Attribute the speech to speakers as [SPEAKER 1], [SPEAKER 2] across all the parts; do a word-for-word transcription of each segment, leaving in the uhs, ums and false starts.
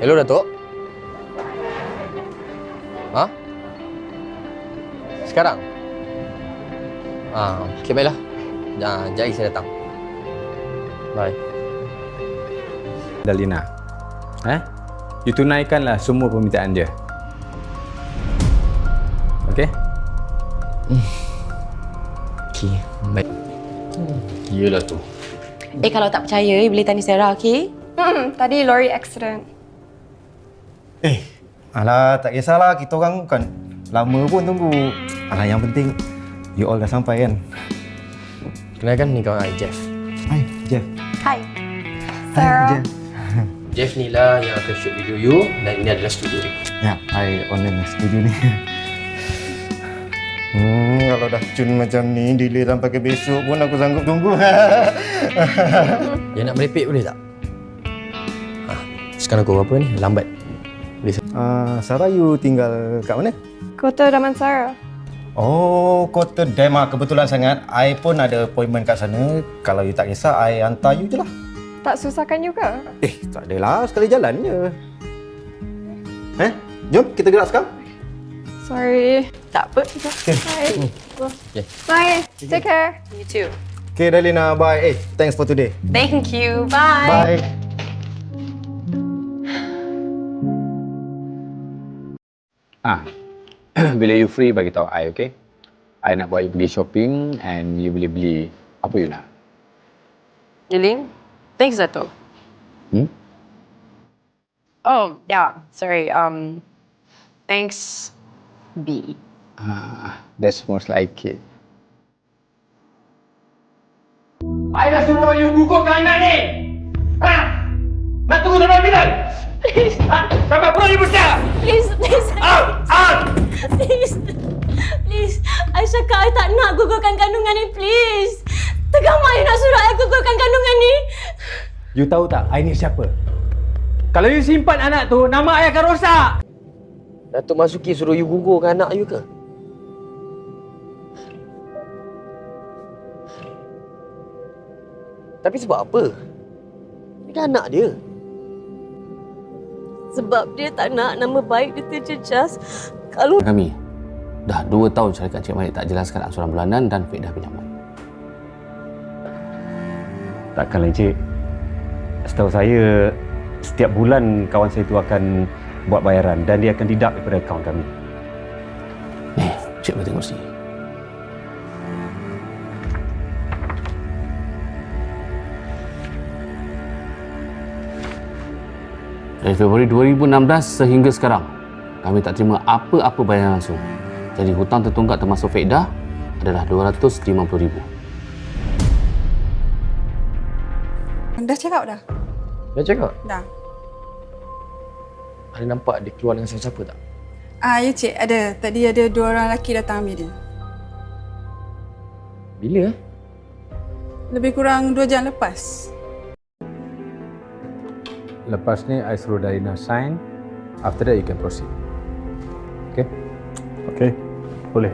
[SPEAKER 1] Hello, Datuk. Ha? Sekarang? Ah, okey, baiklah. Jangan, jap lagi saya datang. Bye.
[SPEAKER 2] Dalina, eh? You tunaikanlah semua permintaan dia. Okey?
[SPEAKER 1] Okey, baik. Hmm. Iyalah tu.
[SPEAKER 3] Eh, kalau tak percaya, you boleh tanya Sarah, okey?
[SPEAKER 4] Hmm, tadi lori accident.
[SPEAKER 5] Eh, alah, tak kisahlah. Kita orang bukan lama pun tunggu. Alah, yang penting you all dah sampai kan?
[SPEAKER 1] Kenalkan, ni kawan saya, Jeff.
[SPEAKER 5] Hai, Jeff.
[SPEAKER 3] Hai.
[SPEAKER 4] Sarah.
[SPEAKER 5] Jeff.
[SPEAKER 1] Jeff ni lah yang akan shoot video you dan ini adalah studio dia.
[SPEAKER 5] Ya, I online studio ni. Hmm, kalau dah cun macam ni, delay sampai ke besok pun aku sanggup tunggu.
[SPEAKER 1] Yang nak merepek boleh tak? Ha, sekarang aku apa ni? Lambat. Boleh?
[SPEAKER 5] Uh, Sarah, you tinggal kat mana?
[SPEAKER 4] Kota Damansara.
[SPEAKER 5] Oh, Kota Dam. Kebetulan sangat. I pun ada appointment kat sana. Kalau you tak kisah, I hantar you je lah.
[SPEAKER 4] Tak susahkan juga.
[SPEAKER 5] Eh, tak adalah. Sekali jalan je. Eh, jom kita gerak sekarang.
[SPEAKER 4] Sorry.
[SPEAKER 3] Tak apa.
[SPEAKER 5] Okay.
[SPEAKER 4] Bye.
[SPEAKER 1] Okay.
[SPEAKER 4] Bye. Take care.
[SPEAKER 3] You too.
[SPEAKER 5] Okay, Dalina. Bye. Eh, thanks for today.
[SPEAKER 3] Thank you. Bye.
[SPEAKER 5] Bye.
[SPEAKER 2] Ah, bila you free bagi tahu I, okay? I nak buat you pergi shopping and you boleh beli apa you nak.
[SPEAKER 3] Yuling, thanks, Dato'.
[SPEAKER 2] Hmm?
[SPEAKER 3] Oh, yeah. Sorry. Um, thanks, B.
[SPEAKER 2] Ah, that's most like it. I dah suruh you gugurkan anak ni! Ha? Nak tunggu sampai bila?
[SPEAKER 3] Please.
[SPEAKER 2] Ha? Sampai puluh ribu sia!
[SPEAKER 3] Please, please.
[SPEAKER 2] Out! Out!
[SPEAKER 3] Please. Please. I cakap I tak nak gugurkan kandungan ni, please. Tegama you nak suruh I gugurkan kandungan ni.
[SPEAKER 2] You tahu tak, I ni siapa? Kalau you simpan anak tu, nama I akan rosak!
[SPEAKER 1] Datuk Masuki suruh you gugurkan anak you ke? Tapi sebab apa? Ini kan anak dia.
[SPEAKER 3] Sebab dia tak nak nama baik dia terjejas. Kalau
[SPEAKER 6] Kami dah dua tahun syarikat Cik Malik tak jelaskan angsuran bulanan dan faedah pinjaman.
[SPEAKER 7] Takkanlah Encik. Setahu saya, setiap bulan kawan saya itu akan buat bayaran dan dia akan deduct daripada akaun kami.
[SPEAKER 6] Ni, Cik boleh tengok sini. Dari Februari dua ribu enam belas sehingga sekarang, kami tak terima apa-apa bayaran langsung. Jadi hutang tertunggak termasuk faedah adalah dua ratus lima puluh ribu.
[SPEAKER 8] Dah cakap dah?
[SPEAKER 1] Dah cakap?
[SPEAKER 8] Dah.
[SPEAKER 1] Ada nampak dia keluar dengan siapa-siapa tak?
[SPEAKER 8] Ah, ya cik, ada. Tadi ada dua orang lelaki datang ambil dia.
[SPEAKER 1] Bila eh?
[SPEAKER 8] Lebih kurang dua jam lepas.
[SPEAKER 2] Lepas ni, I suruh Dalina sign. After that, you can proceed. Okay?
[SPEAKER 7] Okey, boleh.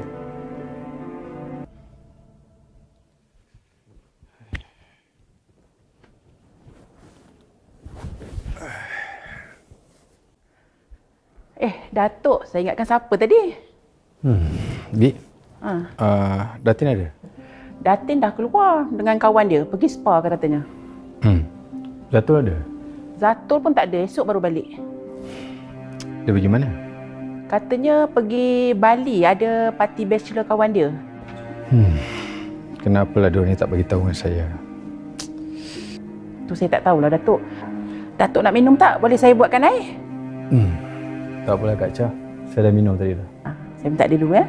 [SPEAKER 9] Eh, Datuk, saya ingatkan siapa tadi?
[SPEAKER 2] Hmm, Bi,
[SPEAKER 9] Ha.
[SPEAKER 2] uh, Datin ada?
[SPEAKER 9] Datin dah keluar dengan kawan dia, pergi spa katanya.
[SPEAKER 2] Hmm, Zatul ada?
[SPEAKER 9] Zatul pun tak ada, esok baru balik.
[SPEAKER 2] Dia pergi mana?
[SPEAKER 9] Katanya pergi Bali, ada parti bachelor kawan dia.
[SPEAKER 2] Hmm, kenapalah diorang ni tak bagi tahu dengan saya?
[SPEAKER 9] Tu saya tak tahulah, Datuk. Datuk nak minum tak? Boleh saya buatkan air?
[SPEAKER 2] Hmm, tak apalah Kak Cha. Saya dah minum tadi dah.
[SPEAKER 9] Ha, saya minta dia dulu ya.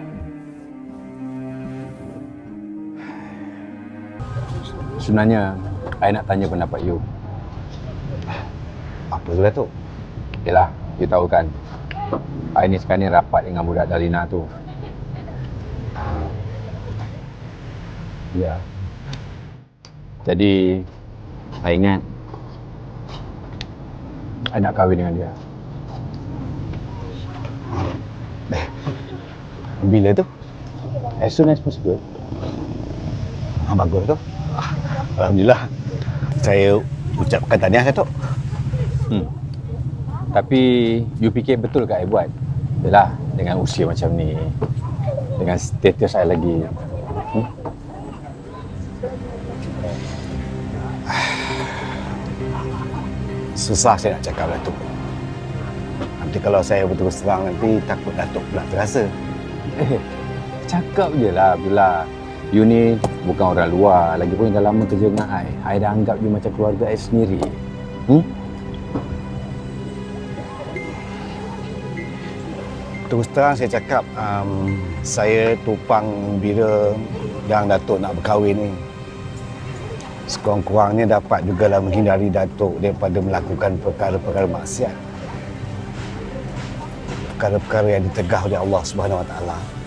[SPEAKER 2] Sebenarnya, I nak tanya pendapat you.
[SPEAKER 5] Apa tu, Datuk?
[SPEAKER 2] Yelah, you tahu kan, I ni sekarang ni rapat dengan budak Dalina tu. Ya. Jadi, I ingat I nak kahwin dengan dia.
[SPEAKER 5] Bila tu?
[SPEAKER 2] As soon as possible.
[SPEAKER 5] Ah, bagus tu. Alhamdulillah. Saya ucapkan tahniah, Datuk.
[SPEAKER 2] Hmm. Tapi you fikir betul ke I buat? Yalah, dengan usia macam ni, dengan status I lagi. Hmm?
[SPEAKER 10] Susah saya nak cakap Datuk. Nanti kalau saya berterus terang nanti takut Datuk pula terasa.
[SPEAKER 2] Eh, cakap je lah Abdullah. You ni bukan orang luar. Lagipun dah lama kerja dengan I. I dah anggap you macam keluarga I sendiri. Hmm?
[SPEAKER 10] Terus terang saya cakap, um, saya tupang bira yang Datuk nak berkahwin ni. Sekurang-kurangnya dapat jugalah menghindari Datuk daripada melakukan perkara-perkara maksiat. Perkara-perkara yang ditegah oleh Allah Subhanahu Wa Taala.